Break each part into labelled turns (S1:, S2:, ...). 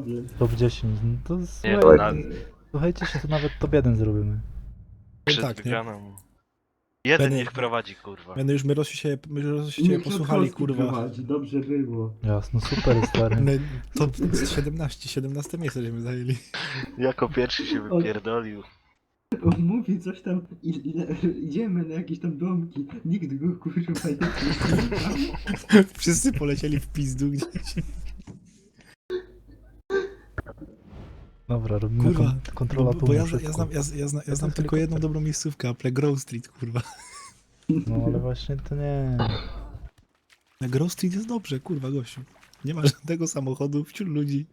S1: problem.
S2: Top 10, no to
S3: Nie,
S2: słuchajcie się, to nawet top 1 zrobimy.
S3: przed
S4: tak, nie?
S3: wygraną. Jeden
S4: Będę-
S3: niech prowadzi, kurwa.
S4: Będę już my się
S1: Niech
S4: posłuchali,
S1: Trzaskowski
S4: kurwa.
S1: prowadzi, dobrze było.
S2: Jasno, super stary.
S4: My top 17 miejsce żeśmy zajęli.
S3: Jako pierwszy się wypierdolił.
S1: On mówi coś tam, idziemy na jakieś tam domki, nikt go kurwa nie słucha.
S4: Wszyscy polecieli w pizdu gdzieś.
S2: Dobra, robimy
S4: Kurwa,
S2: kontrola
S4: bo
S2: tłumu
S4: ja
S2: szybko.
S4: znam tylko jedną dobrą miejscówkę, Apple Grove Street, kurwa.
S2: No ale właśnie to nie.
S4: Na Grove Street jest dobrze, kurwa, gościu. Nie ma żadnego samochodu, wśród ludzi.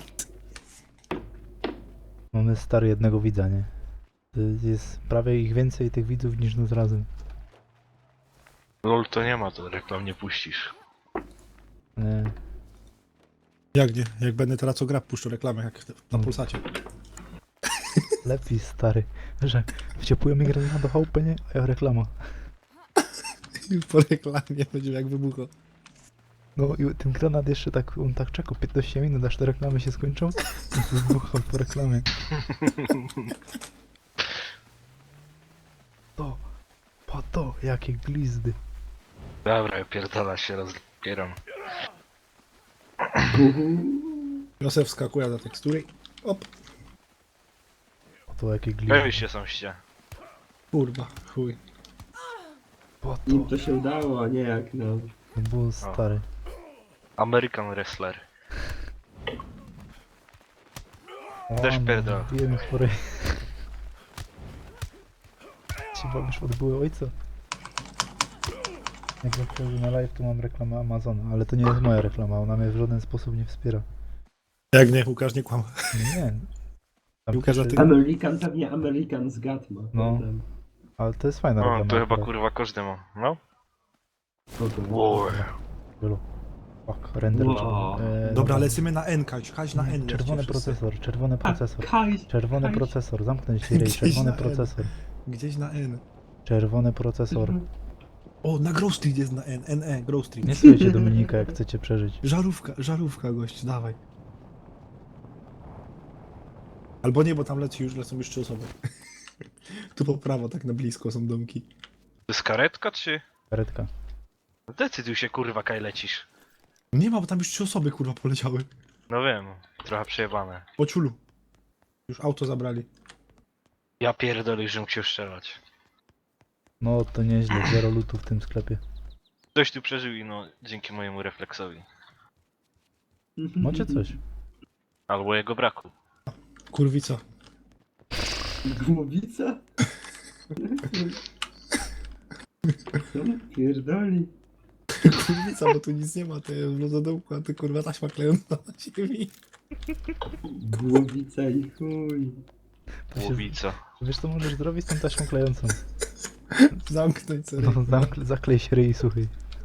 S2: Mamy stary jednego widza, nie? To jest prawie ich więcej tych widzów niż nas razem.
S3: LOL to nie ma, to reklam nie puścisz.
S2: Nie.
S4: Jak nie? Jak będę teraz co gra puszczę reklamę, jak na Pulsacie.
S2: Lepiej stary, że wciepujemy grę do chałupy, nie? A ja reklama.
S4: Po reklamie będzie jak wybucho.
S2: No i ten granat jeszcze tak, on tak czekał 15 minut, aż te reklamy się skończą. I to wybuchał po reklamie. To, po to, jakie glizdy.
S3: Dobra, ja pierdala się rozpieram.
S4: Josef skakuje na tekstury. Op,
S2: Po to, jakie glizdy.
S3: Pełni się sąście.
S4: kurwa, chuj.
S2: Po
S1: Im
S2: to,
S1: to się udało, a nie jak nam.
S2: to było stary.
S3: American Wrestler.
S2: O,
S3: Też
S2: no,
S3: pierdol.
S2: bijemy chory. Ci bawisz od były ojca. Jak wchodzę na live, to mam reklamę Amazona, ale to nie jest moja reklama, ona mnie w żaden sposób nie wspiera.
S4: Jak nie, Łukasz nie kłam.
S2: Nie. Tam
S4: Łukasz, a
S2: pisze-
S4: ty-
S1: American, pewnie American z Gatma.
S2: No.
S1: Potem.
S2: Ale to jest fajna
S3: No,
S2: reklama.
S3: to chyba
S2: akurat.
S3: kurwa każdy ma. No?
S1: Spoko.
S3: Wow.
S2: Wielu. Fuck, render.
S1: Wow.
S4: Dobra, lecimy na N, Kaś na N.
S2: Czerwony
S4: lećcie wszyscy.
S2: procesor, czerwony procesor.
S1: Kajs,
S2: Czerwony
S1: Kajs.
S2: procesor, zamknąć się rej,
S4: Gdzieś
S2: czerwony
S4: na N.
S2: procesor.
S4: Gdzieś na N.
S2: Czerwony procesor.
S4: O, na Grove Street jest na N, NE, Grove Street.
S2: Nie słuchajcie Dominika, jak chcecie przeżyć.
S4: Żarówka, gość, dawaj. Albo nie, bo tam lecą już 3 osoby. Tu po prawo, tak na blisko są domki.
S3: To jest karetka, czy?
S2: Karetka.
S3: Decyduj się, kurwa, kaj lecisz.
S4: Nie ma, bo tam już 3 osoby, kurwa, poleciały.
S3: No wiem, trochę przejebane.
S4: Po ciulu. Już auto zabrali.
S3: Ja pierdolę, że mógł się strzelać.
S2: No to nieźle, 0 lutu w tym sklepie.
S3: Ktoś tu przeżył i no, dzięki mojemu refleksowi.
S2: Macie coś?
S3: Albo jego braku.
S4: Kurwica.
S1: Głowica? Co? Pierdoli.
S4: Kurwica, bo tu nic nie ma, to jest w lododomku, a ty kurwa taśma klejąca na ziemi.
S1: Głowica i chuj.
S2: To się-
S3: Głowica.
S2: Wiesz co możesz zrobić z tą taśmą klejącą?
S4: Zamknąć sobie.
S2: No, zaklej się ryj, słuchaj.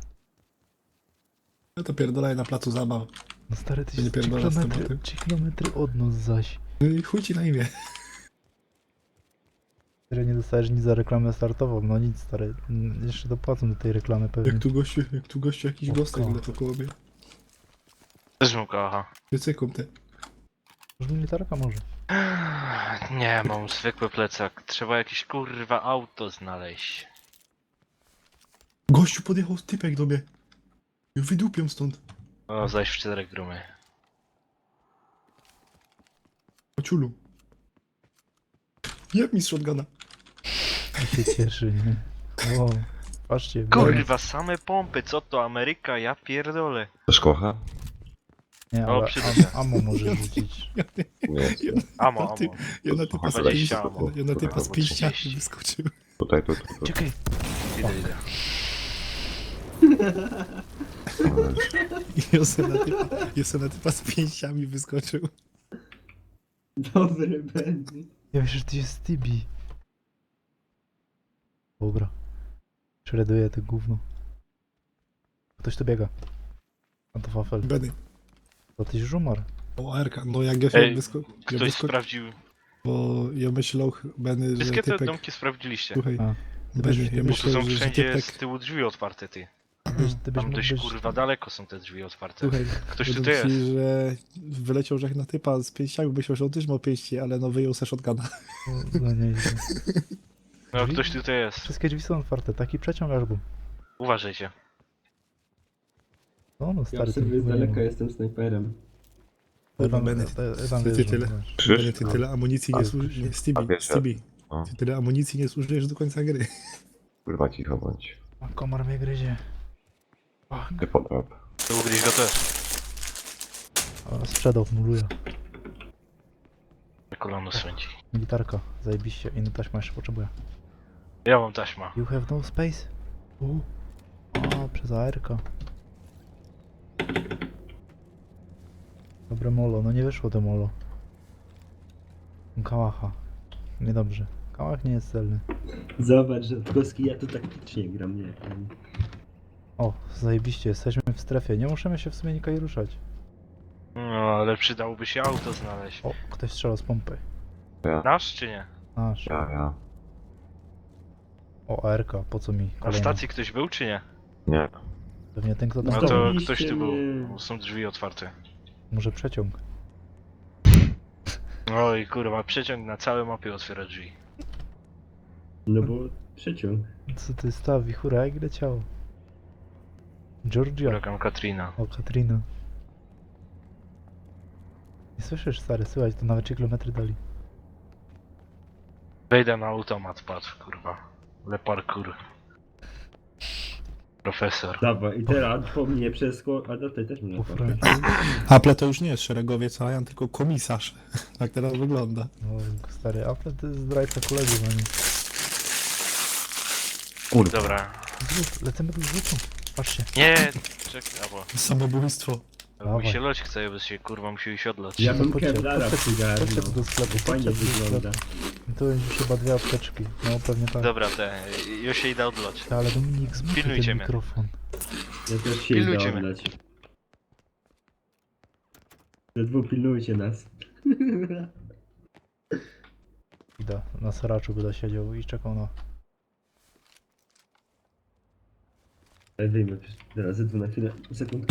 S4: No to pierdolaj na placu zabaw.
S2: No stary, ty
S4: Nie
S2: się 3
S4: pierdolę z
S2: kilometry,
S4: tematem.
S2: 3 kilometry od nas zaś.
S4: No i chuj ci na imię.
S2: Stary, nie dostajesz nic za reklamę startową, no nic stary. Jeszcze dopłacą do tej reklamy pewnie.
S4: Jak tu gościu jakiś
S2: O,
S4: gostek
S2: o.
S4: leciał koło mnie.
S3: Też mu kocha.
S4: Wycyką te.
S2: Może militarka może.
S3: Nie, mam zwykły plecak. Trzeba jakieś kurwa auto znaleźć.
S4: Gościu podjechał typek do mnie. Wydupią stąd.
S3: O, zaś w 4 grumy.
S4: Po ciulu. Jeb mi z shotguna.
S2: I się cieszy, nie? Wow. Patrzcie,
S3: Kurwa, same pompy, co to Ameryka? Ja pierdolę.
S5: Też kocha?
S2: Nie,
S3: O,
S2: ale
S3: przyda się.
S2: ammo może rzucić.
S5: Nie.
S3: Amo,
S4: Ty-
S3: amo.
S4: Ja na typa z
S3: 20
S4: pięści-
S3: amo.
S4: ja na typa z pięściami
S3: 30.
S4: wyskoczył.
S5: Tutaj.
S2: Czekaj,
S3: Idę.
S4: Ja se na typa z pięściami wyskoczył.
S1: Dobry będzie.
S2: ja myślę, że to jest Tibi. Dobra. Shreduję to gówno. Ktoś tu biega. A to wafel.
S4: Benny.
S2: To tyś żumar.
S4: O, Erka. No jak ja się
S3: Ej,
S4: wyskoczył.
S3: Ktoś sprawdził.
S4: Bo ja myślał, Benny, że
S3: Wszystkie te
S4: typek...
S3: domki sprawdziliście.
S4: Słuchaj,
S2: A.
S4: Benny, ja
S3: Bo tu są
S4: myślałem, że
S3: wszędzie
S4: typek...
S3: z tyłu drzwi otwarte, ty.
S2: ty byś
S3: Tam
S2: mógł
S3: dość
S2: być...
S3: kurwa daleko są te drzwi otwarte.
S4: Słuchaj,
S3: Ktoś tu
S4: powiem ci,
S3: jest.
S4: że wyleciał żech na typa z pięściami, byś myślał, że on też ma pięści, ale no wyjął se shotguna.
S2: No nieźle.
S3: No
S2: Drzwi?
S3: ktoś tutaj jest.
S2: Wszystkie drzwi są otwarte, taki przeciąg aż był.
S3: Uważajcie.
S2: No, no
S1: Ja
S2: stary,
S1: obserwuję z
S2: chyba nie
S1: daleka,
S2: ma.
S1: jestem snajperem.
S4: Kurwa,
S2: Tam-
S4: Bennett,
S2: tam
S4: ty
S2: wjeżdżam,
S4: tyle,
S2: zobacz.
S5: Krzyż?
S4: Bennett, ty tyle amunicji nie
S5: A,
S4: zużyjesz,
S5: a
S4: Stevie,
S5: wiesz,
S4: Stevie,
S5: No,
S4: ty tyle amunicji nie zużyjesz do końca gry.
S5: kurwa cicho bądź.
S2: A komar mnie gryzie. Fuck.
S5: Ty podrap.
S3: To ugryź go też.
S2: O, sprzedał, muluje.
S3: Kolano swędzi.
S2: Militarka, zajebiście. Inny taśma jeszcze potrzebuję.
S3: Ja mam taśma.
S2: You have no space? O, przez ARK. Dobre molo, no nie wyszło to molo. Kałacha. Niedobrze. Kałach nie jest celny.
S1: Zobacz, że Koski, ja tu taktycznie gram, nie?
S2: O, zajebiście, jesteśmy w strefie. Nie możemy się w sumie nikaj ruszać.
S3: No ale przydałoby się auto znaleźć.
S2: O, ktoś strzelał z pompy.
S5: Ja,
S3: Nasz czy nie?
S2: Nasz.
S5: ja.
S2: O, ARK, po co mi
S3: Na
S2: kolejna?
S3: stacji ktoś był czy nie?
S5: Nie.
S2: Pewnie ten, kto tam
S3: No
S2: stał.
S3: to
S1: Zdobyliście
S3: ktoś tu był.
S1: mnie.
S3: Bo są drzwi otwarte.
S2: Może przeciąg.
S3: Oj kurwa, przeciąg na całej mapie otwiera drzwi.
S1: No bo przeciąg.
S2: Co ty stawi? Hura, jak leciało? Georgia.
S3: Huragan Katrina.
S2: O, Katrina. Nie słyszysz, stary, słychać, to nawet 3 kilometry dali.
S3: Wejdę na automat, patrz kurwa. Le parkour. Profesor.
S1: Dawaj, i teraz po mnie przesko... A do tej też
S2: Po
S1: można
S2: Francji.
S4: Apple to już nie jest szeregowiec Ryan, tylko komisarz. Tak teraz wygląda.
S2: No, stary, Apple to jest zdrajca kolegów, a nie.
S5: Kurwa.
S3: Dobra.
S2: Zrób, lecimy do zrzutu. Patrzcie.
S3: Nie, czekaj, albo.
S4: Samobójstwo.
S3: Albo mi
S2: Dawaj.
S3: się loć chce, bo się kurwa musi iść odlać.
S1: Ja bym
S2: Chodźcie,
S1: Kevlara
S2: chodźcie
S1: przygarnął.
S2: tu do sklepu,
S1: Fajnie
S2: chodźcie tu do
S1: wygląda.
S2: sklepu. To będzie chyba 2 apteczki. No, pewnie tak.
S3: Dobra, już się idę odlać.
S2: Ale Dominik, zmutuj
S3: Pilnujcie
S2: ten
S3: mnie.
S2: mikrofon.
S1: Ja też się
S3: Pilnujcie
S1: idę
S3: mnie.
S1: oddać. Te dwóch pilnujcie nas.
S2: Idę, na seraczu będę siedział i czekał na...
S1: Wyjmę teraz ze na chwilę, sekundkę.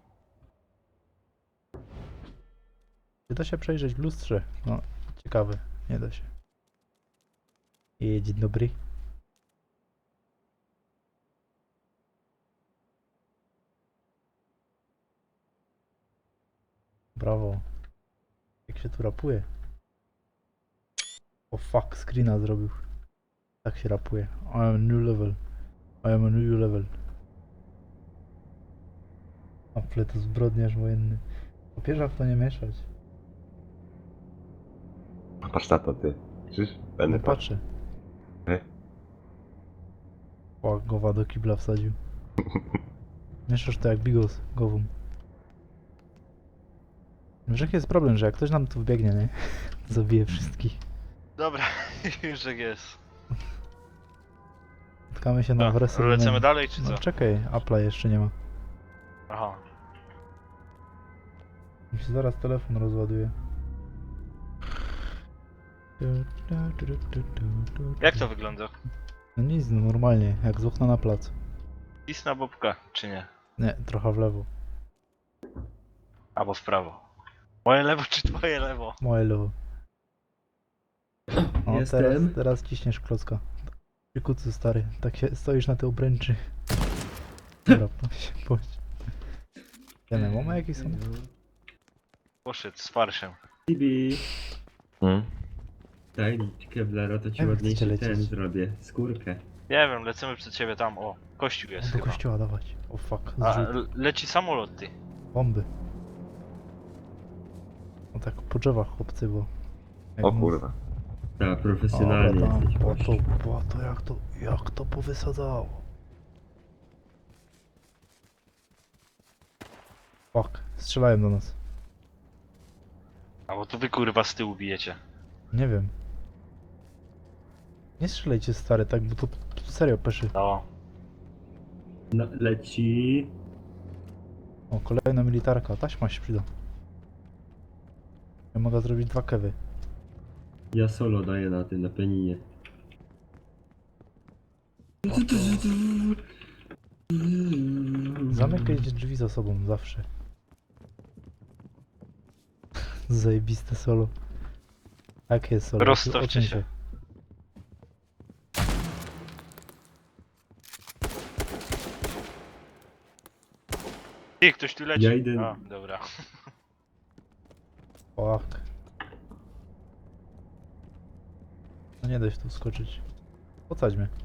S2: Czy da się przejrzeć w lustrze? No, ciekawe, nie da się. Dzień dobry. Brawo. Jak się tu rapuje? O fuck, screena zrobił. Tak się rapuje. I am a new level. I am a new level. Apple to zbrodniarz wojenny. Papieża w to nie mieszać.
S5: Patrz na to, ty. Krzyż?
S2: Nie
S5: Będę patrz.
S2: patrzę.
S5: Ej.
S2: O, gowa do kibla wsadził. Mieszasz to jak bigos, gową. Wiesz jaki jest problem, że jak ktoś nam tu wbiegnie, nie? Zabije wszystkich.
S3: Dobra, już jak jest.
S2: Spotkamy się na
S3: No,
S2: wrestle.
S3: lecimy dalej czy co?
S2: No czekaj, Apple'a jeszcze nie ma.
S3: Aha.
S2: Mi się zaraz telefon rozładuje.
S3: Jak to wygląda?
S2: No nic, no normalnie, jak z okna na plac.
S3: Pis na bobka, czy nie?
S2: Nie, trochę w lewo.
S3: Albo w prawo. Moje lewo czy twoje lewo?
S2: Moje lewo. O,
S1: Jestem.
S2: teraz ciśniesz klocka. Przy kucu stary, tak się stoisz na tej obręczy. Dobra, bądź. Wiemy, mamy jakieś są?
S3: Poszedł z farszem.
S1: Tibi,
S5: Hmm?
S1: daj mi Kevlara, to ci
S2: Jak
S1: ładniejszy
S2: chcecie
S1: ten
S2: lecieć?
S1: zrobię. Skórkę.
S3: Nie wiem, lecimy przed ciebie tam. O, kościół jest
S2: Do
S3: chyba.
S2: kościoła dawać. O fuck,
S3: A,
S2: zrzut.
S3: leci samolot ty.
S2: Bomby. O tak po drzewach chłopcy, bo... jak
S5: O
S2: mu-
S5: kurwa.
S1: Tak, profesjonalnie
S2: Dobra, tam,
S1: jesteś. gościu.
S2: to jak to powysadzało. Fuck, strzelają do nas.
S3: A bo tu wy kurwa z tyłu bijecie.
S2: Nie wiem. Nie strzelajcie stary, tak, bo to serio peszy.
S3: No.
S1: No, leci.
S2: O, kolejna militarka, taśma się przyda. Ja mogę zrobić 2 kewy.
S1: Ja solo daję na tym, na peninie.
S2: Zamykaj drzwi za sobą, zawsze. Zajebiste solo. Jakie jest solo?
S3: Rozstawcie
S2: Oceń
S3: się. I ktoś tu leci.
S1: Ja idę-
S3: A, dobra.
S2: Fuck. No nie da się tu skoczyć. Podsadź mnie.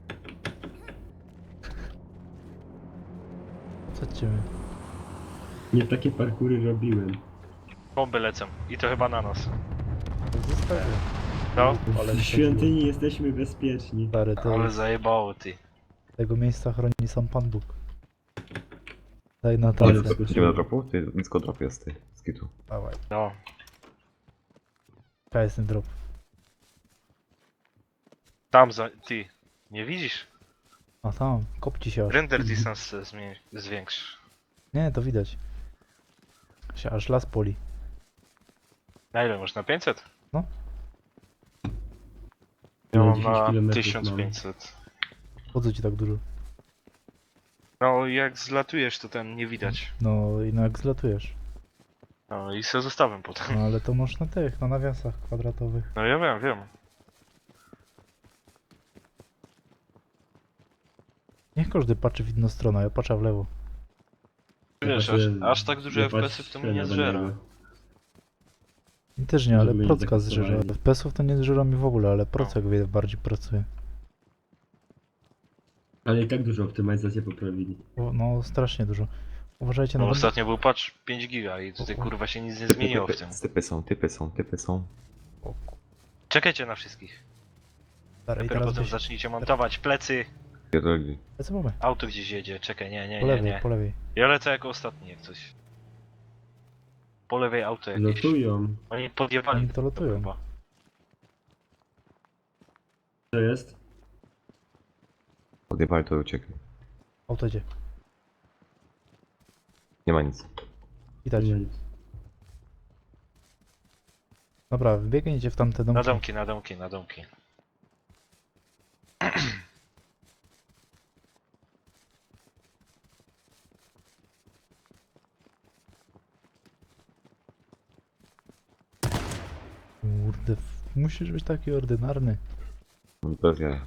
S2: Podsadźcie mnie.
S1: Nie takie parkury robiłem.
S3: Bomby lecą. I to chyba na nas.
S2: Zostawię.
S3: No,
S2: Ale
S1: W świątyni jesteśmy bezpieczni.
S2: Stary, to
S3: ale zajebało ty.
S2: tego miejsca chroni sam Pan Bóg. Daj na
S1: Ale
S2: tacę.
S1: wskoczyłem.
S5: Idziemy do dropu? Ty nisko drop jest, ty. Z kitu.
S2: Dawaj.
S3: No.
S2: Jaka jest ten drop?
S3: Tam za... Ty. Nie widzisz?
S2: A tam, kopci się aż.
S3: Render distance zwiększ.
S2: Nie, to widać. Się aż las poli.
S3: Na ile można? 500?
S2: No.
S3: Ja
S1: No,
S3: mam
S1: 10
S3: na
S1: kilometrów
S3: 1500.
S2: Po co ci tak dużo?
S3: No jak zlatujesz to ten nie widać.
S2: No i no jak zlatujesz.
S3: No i se zostawiam potem.
S2: No ale to masz na tych, na nawiasach kwadratowych.
S3: No ja wiem.
S2: Niech każdy patrzy w inną stronę, ja patrzę w lewo.
S3: Wiesz, aż tak dużo FPS-ów to mnie nie zżera.
S2: I też nie, ale
S1: Żeby mieć
S2: procka zżera.
S1: zastosowanie.
S2: FPS-ów to nie zżera mi w ogóle, ale procek bardziej pracuje.
S1: Ale i tak dużo optymalizację poprawili.
S2: No strasznie dużo. Uważajcie na
S3: No
S2: będę...
S3: ostatnio był patch 5 giga i tutaj kurwa się nic nie zmieniło w tym.
S5: Typy są.
S2: O, ku-
S3: Czekajcie na wszystkich.
S2: Stary, i
S3: Dopiero
S2: teraz
S3: potem
S2: gdzieś...
S3: zacznijcie montować plecy.
S5: Pierdoli.
S2: Lecę mamy.
S3: Auto gdzieś jedzie, czekaj,
S2: Po lewej,
S3: nie.
S2: po lewej.
S3: Ja lecę jako ostatni jak coś. Po lewej auto jakieś.
S1: Lotują.
S3: Oni podjewali.
S2: Oni to lotują.
S3: chyba.
S1: To jest?
S5: Odjebali to uciekli.
S2: Auto idzie.
S5: Nie ma nic.
S2: Widać.
S1: Nie.
S2: Dobra, wbiegnijcie w tamte domki.
S3: Na domki.
S2: Kurde, musisz być taki ordynarny.
S5: Bez jaja.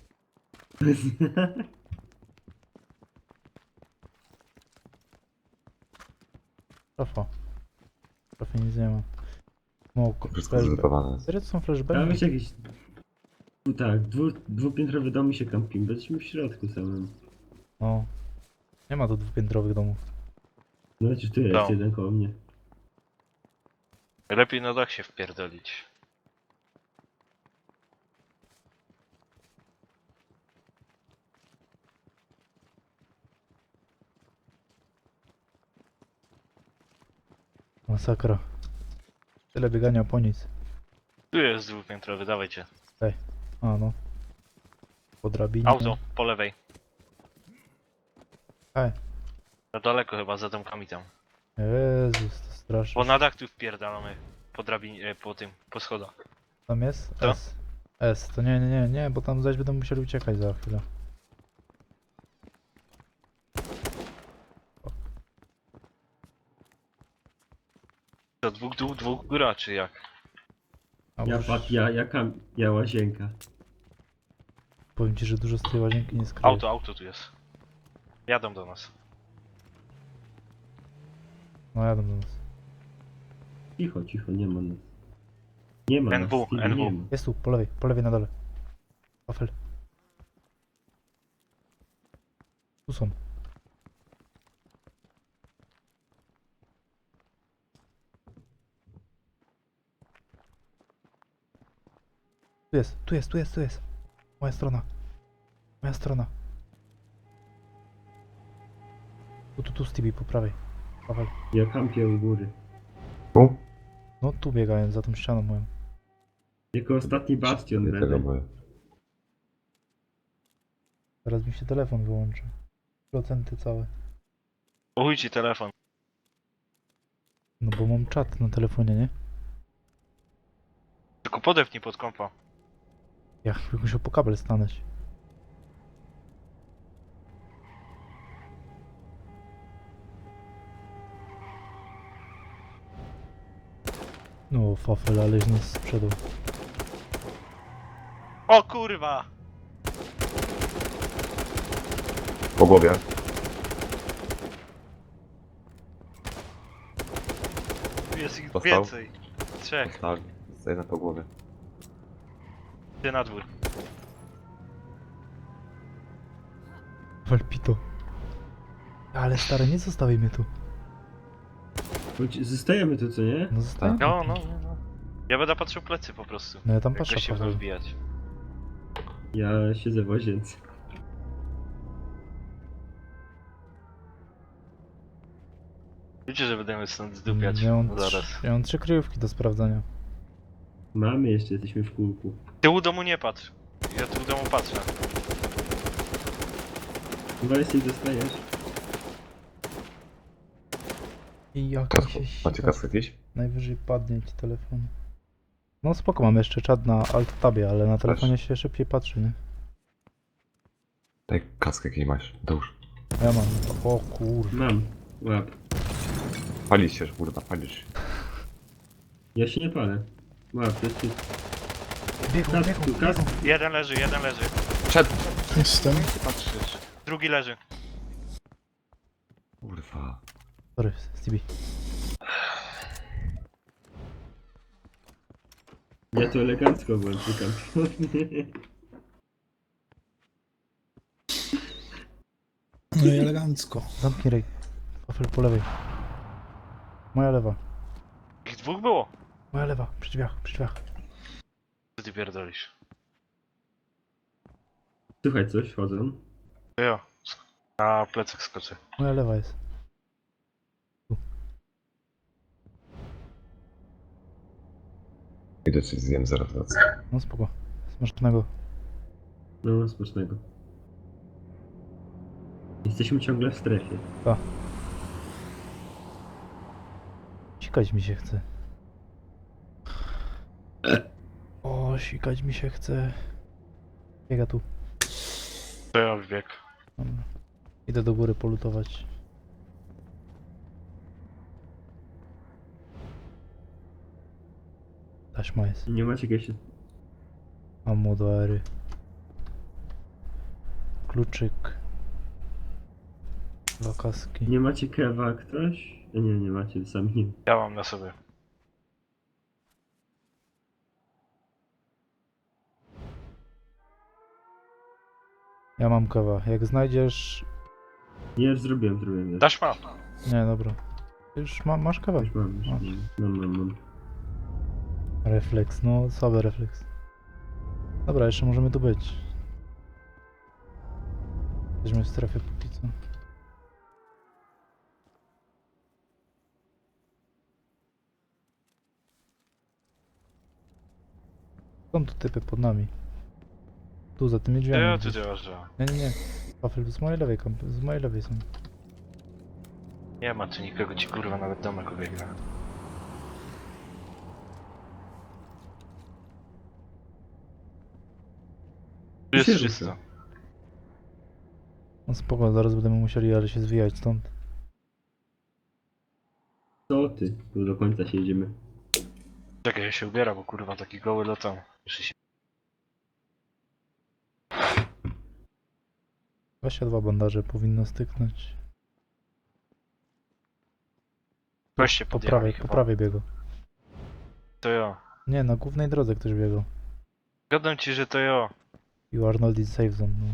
S2: Trafa. Trafie nic nie ma. Smok,
S5: Wszystko
S2: flashback.
S5: zlutowane.
S2: Serio to są
S1: Tam
S2: flashbacki?
S1: jest jakiś... Tak, dwupiętrowy dom i się kampimy. Będziemy w środku samym.
S2: No. Nie ma tu dwupiętrowych domów.
S1: No przecież tu jest
S3: No.
S1: jeden koło mnie.
S3: Lepiej na dach się wpierdolić.
S2: Masakra. Tyle biegania po nic.
S3: Tu jest dwupiętrowy, dawajcie.
S2: A no. Po drabinie.
S3: Auto, po lewej.
S2: Ej.
S3: No daleko chyba, za domkami tam.
S2: Jezus, to straszne.
S3: Bo na dach tu wpierdalamy. Po drabinie, po schodach.
S2: Tam jest?
S3: Co?
S2: S. S. To nie, bo tam zaś będą musieli uciekać za chwilę.
S3: To dwóch góra, czy jak?
S2: A
S1: Ja
S2: już
S1: pat, ja łazienka.
S2: powiem ci, że dużo z tej łazienki nie skryje.
S3: Auto tu jest. Jadą do nas.
S2: No jadą do nas.
S1: Cicho, nie ma nas. Nie ma
S3: NW,
S1: nas. Stevie,
S3: NW.
S1: nie ma.
S2: Jest tu, po lewej na dole. Wafel. Tu są. Tu jest. Moja strona. Tu, Stevie, po prawej. Wafel.
S1: Ja kampię u góry.
S5: Tu?
S2: No tu biegają, za tą ścianą moją.
S1: Jako ostatni bastion
S5: Nie tego
S1: będę.
S5: boję.
S2: Teraz mi się telefon wyłączy. Procenty całe.
S3: Uchuj ci telefon.
S2: No bo mam czat na telefonie, nie?
S3: Tylko podepnij pod kompa.
S2: Ja bym musiał po kabel stanąć. No, fafel, aleś nas sprzedał.
S3: O kurwa!
S5: Po głowie.
S3: Tu jest ich
S5: Dostał?
S3: więcej. Trzech.
S5: Tak, zostaje na po głowie.
S3: Idę na dwór.
S2: Walpito. Ale stary, nie zostawiaj mnie tu.
S1: Chodź, zostajemy tu, co nie?
S2: No zostań.
S3: No. Ja będę patrzył plecy po prostu.
S2: No ja tam
S3: Jak
S2: patrzę,
S3: goście będą
S2: Paweł.
S3: wbijać.
S1: Ja siedzę w łazience.
S3: Wiecie, że będziemy stąd zdupiać.
S2: Ja mam,
S3: No zaraz.
S2: ja mam 3 kryjówki do sprawdzania.
S1: Mamy jeszcze, jesteśmy w kółku.
S3: Ty u domu nie patrz. Ja tu u domu patrzę.
S1: Chyba jesteś dostajesz.
S2: I jak
S5: Kasku.
S2: się
S5: Macie
S2: sika.
S5: kaskę jakieś?
S2: Najwyżej padnie ci telefon. No spoko, mam jeszcze czat na alt-tabie, ale na telefonie się szybciej patrzy, nie?
S5: Daj kaskę jakiej masz. Dołóż.
S2: Ja mam. O kurwa.
S1: Mam. Łap.
S5: Palisz się, kurwa, palisz się.
S1: Ja się nie palę. Łap, to jest czysto.
S2: Biegł,
S1: Kask tu, kask.
S3: Jeden leży.
S4: Jestem.
S3: Patrzysz. Drugi leży.
S5: Kurwa.
S2: Sorry, Stevie.
S1: Ja to elegancko włączykam.
S4: No i elegancko.
S2: Zamknij rej. Wafel po lewej. Moja lewa.
S3: Ich dwóch było.
S2: Moja lewa. Przy drzwiach, przy drzwiach.
S3: Co ty pierdolisz?
S1: Słuchaj, coś, wchodzą.
S3: To ja. Na plecach skoczę.
S2: Moja lewa jest.
S5: Idę coś zjem, zaraz wracam.
S2: No spoko. Smacznego.
S1: No, smacznego. Jesteśmy ciągle w strefie.
S2: Sikać mi się chce. O, sikać mi się chce. Biega tu.
S3: To ja wbieg.
S2: Dobra. Idę do góry polutować. Taśma jest.
S1: Nie macie jakiegoś...
S2: Ammo do ery. Kluczyk. Dwa kaski.
S1: Nie macie kewa ktoś? Nie macie, sami nie.
S3: Ja mam na sobie.
S2: Ja mam kawa. Jak znajdziesz...
S1: Nie, już zrobiłem.
S3: Dasz ma.
S2: Nie, dobra. Już masz kawę.
S1: Już mam. Mam.
S2: Refleks, no słaby refleks. Dobra, jeszcze możemy tu być. Jesteśmy w strefie póki co. Są tu typy pod nami. Tu za tymi
S3: To
S2: drzwiami.
S3: ja tu
S2: gdzieś.
S3: działasz, że
S2: Nie. Wafel, z mojej lewej z mojej lewej są.
S3: nie ma tu nikogo, ci kurwa nawet domek obiegna. Tu jest
S1: się
S3: czysto.
S1: rusza.
S2: No spoko, zaraz będziemy musieli, ale się zwijać stąd.
S1: Co ty? Tu do końca się jedziemy.
S3: Czekaj, ja się ubieram, bo kurwa taki goły lotam. Muszę się...
S2: 22 bandaże powinno styknąć.
S3: Goście
S2: Po
S3: podjechali
S2: prawej,
S3: chyba.
S2: po prawej biegł.
S3: To ja.
S2: Nie, na głównej drodze ktoś biegł.
S3: Gadam ci, że to ja.
S2: You are not in safe zone, no.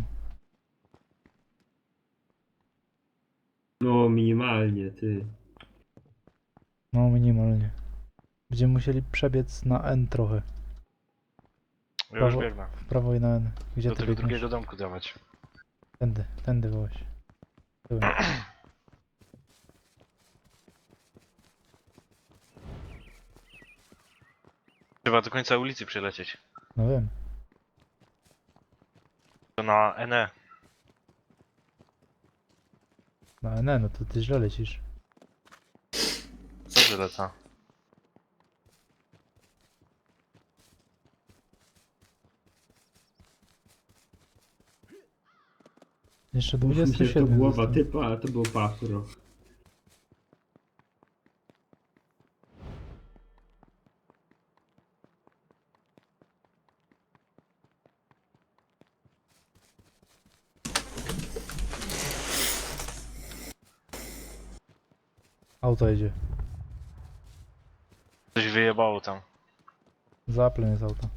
S1: No, minimalnie, ty.
S2: No, minimalnie. Będziemy musieli przebiec na N trochę.
S3: Ja już
S2: Brawo.
S3: biegnę.
S2: W prawo i na N. Gdzie
S3: Do
S2: ty
S3: tego
S2: biegniesz?
S3: drugiego domku dawać.
S2: Tędy wołaś. Tyłem.
S3: Trzeba do końca ulicy przelecieć.
S2: No wiem.
S3: To na NE.
S2: Na N, no to ty źle lecisz.
S3: Dobrze lecę.
S2: Jeszcze
S1: Myślę, że to
S2: 27
S1: głowa
S2: zostało.
S1: typa, a to był pafro.
S2: Auto jedzie.
S3: Coś wyjebało tam.
S2: Za Applem jest auto.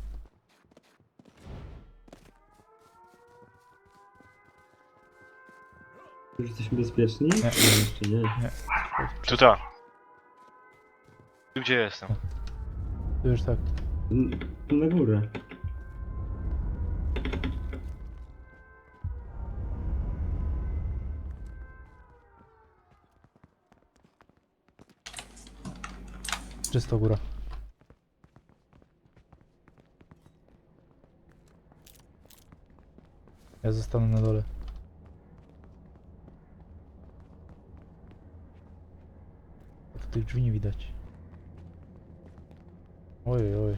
S1: Już jesteśmy bezpieczni?
S2: Nie.
S1: Jeszcze nie.
S3: Tutaj. Tu gdzie jestem?
S2: Tu już tak.
S1: Tu na górę.
S2: Czysto góra. Ja zostanę na dole. Bo tu tych drzwi nie widać. Oj, oj.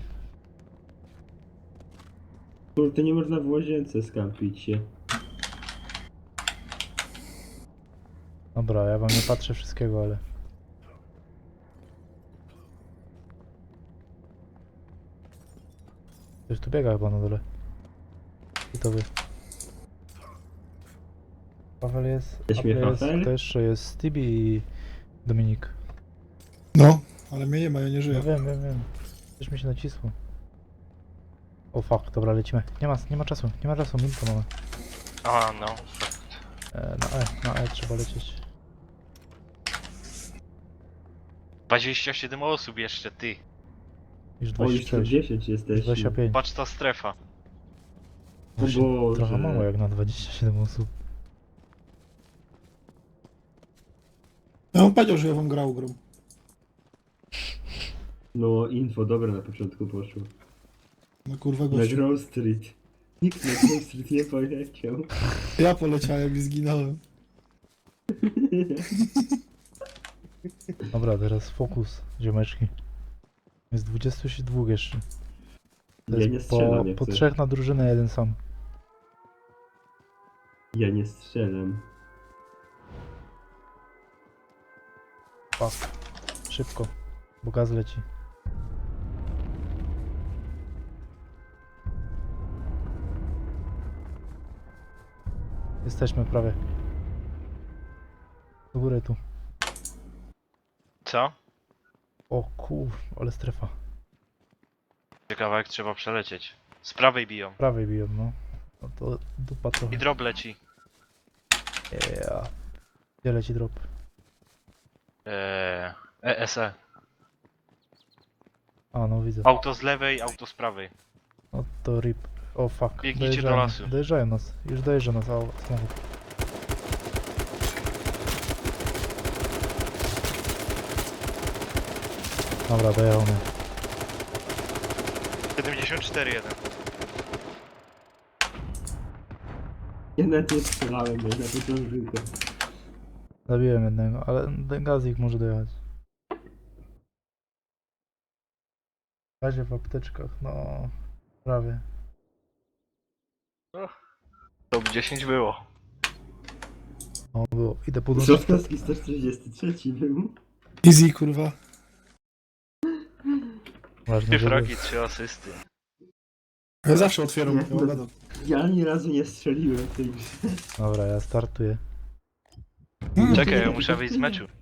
S1: Kurde, nie można w łazience skampić się.
S2: Dobra, ja wam nie patrzę wszystkiego, ale... Ktoś tu biega chyba na dole. I to wy. Paweł jest,
S1: Jesteśmy
S2: Apple jest,
S1: Paweł?
S2: to jeszcze jest Stevie i Dominik.
S4: No, ale mnie nie ma, ja nie
S2: No
S4: żyję.
S2: wiem. Coś mi się nacisło. O fuck, dobra, lecimy. Nie ma czasu, minutę mamy.
S3: A, no.
S2: Na E trzeba lecieć.
S3: 27 osób jeszcze, ty.
S2: Już
S1: O, już
S2: 26,
S1: 10
S2: już
S1: jesteśmy.
S2: 25.
S3: Patrz ta strefa.
S1: O
S2: Właśnie
S1: Boże.
S2: trochę mało jak na 27 osób.
S4: Ja on powiedział, że ja wam grał grą.
S1: No, info dobre na początku poszło.
S4: No kurwa
S1: Na
S4: gościu.
S1: Grove Street. Nikt na Grove Street nie poleciał.
S4: Ja poleciałem i zginąłem.
S2: Dobra, teraz fokus, ziomeczki. Jest 22 jeszcze. To
S1: Ja
S2: jest
S1: nie strzelam jak
S2: po
S1: coś.
S2: 3 na drużynę, jeden sam.
S1: Ja nie strzelam.
S2: Fuck. Szybko, bo gaz leci. Jesteśmy prawie. Do góry tu.
S3: Co?
S2: O kur, ale strefa.
S3: Ciekawe jak trzeba przelecieć. Z prawej biją.
S2: Prawej biją, no. No to dupa trochę.
S3: I drop leci.
S2: Yeah. Gdzie leci drop?
S3: ESE.
S2: A, no widzę.
S3: Auto z lewej, auto z prawej.
S2: No to rip. O fuck.
S3: Biegnijcie do lasu.
S2: Dojeżdżają nas. Już dojeżdża nas samochód. Dobra, dojechał mnie.
S3: 74-1.
S1: Ja nawet nie strzelałem, ja na początku.
S2: Zabiłem jednego, ale ten gazik może dojechać. W razie w apteczkach, no... Prawie.
S3: Top 10 było.
S2: No było. Idę podłączyć.
S1: Trzaskowski 143 był.
S4: Easy kurwa.
S2: Ważne,
S3: 3
S2: żeby...
S3: fragi, 3 asysty.
S4: Ja zawsze otwieram,
S1: Nie,
S4: ja mam gadał.
S1: Ja ani razu nie strzeliłem w tej grze.
S2: Dobra, ja startuję.
S3: Czekaj, ja muszę wyjść z meczu.